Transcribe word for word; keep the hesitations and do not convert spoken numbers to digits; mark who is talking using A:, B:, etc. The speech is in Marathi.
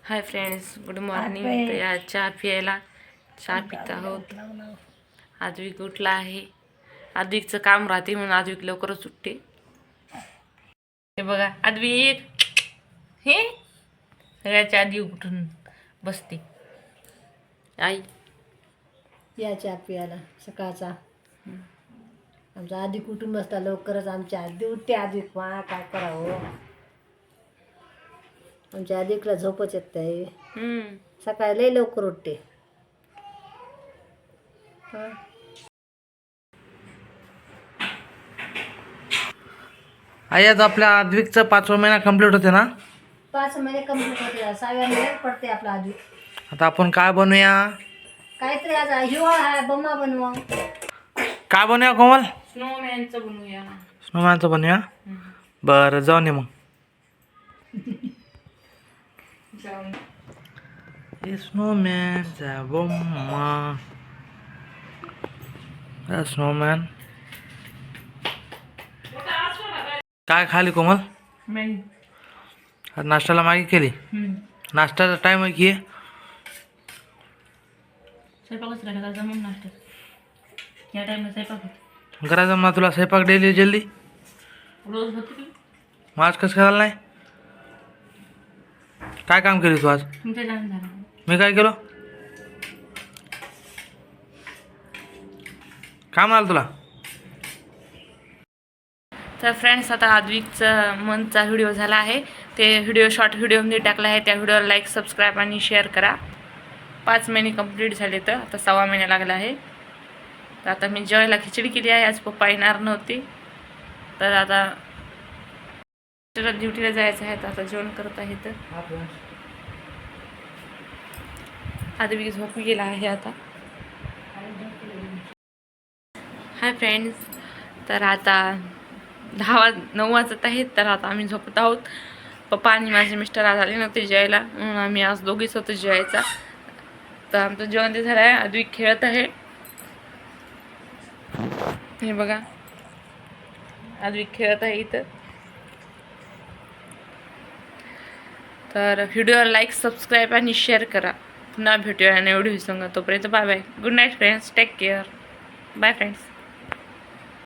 A: Hi friends, good morning. तर या चहा प्यायला चहा पित आहोत. आद्विक उठला आहे. आद्विकचं काम राहते म्हणून आद्विक लवकरच उठते. हे बघा आद्विक, हे सगळ्याच्या आधी उठून बसते. आई
B: या चहा प्यायला सकाळचा. आमचा आधी कुटुंब असता लवकरच आमच्या आधी उठते. आद्विक मा काय करावं, आमच्या आधीकला झोपच येत आहे. सकाळी लई लवकर उठते.
C: आई आज आपल्या आद्विकचं पाचवा महिना कंप्लीट होते ना?
B: पाच महिने कंप्लीट होते. सहाव्या महिन्यात पडते आपला आधी.
C: आता आपण काय बनवूया?
B: काहीतरी आज हिवाळा आहे, बम्मा बनवा.
C: काय बनवूया कोमल?
A: स्नोमॅनचं बनवूया.
C: स्नोमॅनचं बनवूया. बरं जाऊन ये मग. स्नोमॅनचा बम्मा, स्नोमॅन. काय खाली कोमल? आज नाश्त्याला मागे केली. नाश्त्याचा टाइम आहे की
A: स्वयंपाकच राहिला जमून नाश्त्यात या टाईमला स्वयंपाक होतो.
C: घरात जमणार तुला स्वयंपाक डेली जल्दी?
A: रोज होतो की
C: मग आज कसं करायला नाही? काय काम केली तू आज?
A: तुमच्या जाण झाला.
C: मी काय केलं? काय म्हणाल तुला?
A: तर फ्रेंड्स, आता आद्विकचा मंथचा व्हिडिओ झाला आहे. ते व्हिडिओ शॉर्ट व्हिडिओमध्ये टाकला आहे. त्या व्हिडिओला लाईक, सबस्क्राईब आणि शेअर करा. पाच महिने कंप्लीट झाले, तर आता सव्वा महिना लागला आहे. तर आता मी जेवायला खिचडी केली आहे. आज पप्पा येणार नव्हते, तर आता ड्युटीला जायचं आहे. तर आता जेवण करत आहे. तर आद्विक झोपी गेला आहे आता. हाय फ्रेंड्स, तर आता दहा वाज नऊ वाजत आहेत. तर आता आम्ही झोपत आहोत. पप्पा आणि माझे मिस्टर आज आले नव्हते जेवायला, म्हणून आम्ही आज दोघीच होतो जेवायचा. तर आमचं जेवण ते झालं आहे. आद्विक खेळत आहे. हे बघा, आद्विक खेळत आहे इथं. तर व्हिडिओला लाईक, सबस्क्राईब आणि शेअर करा. पुन्हा भेटूया आणि एवढी सांगा. तोपर्यंत bye bye. Good night friends. Take care. Bye friends.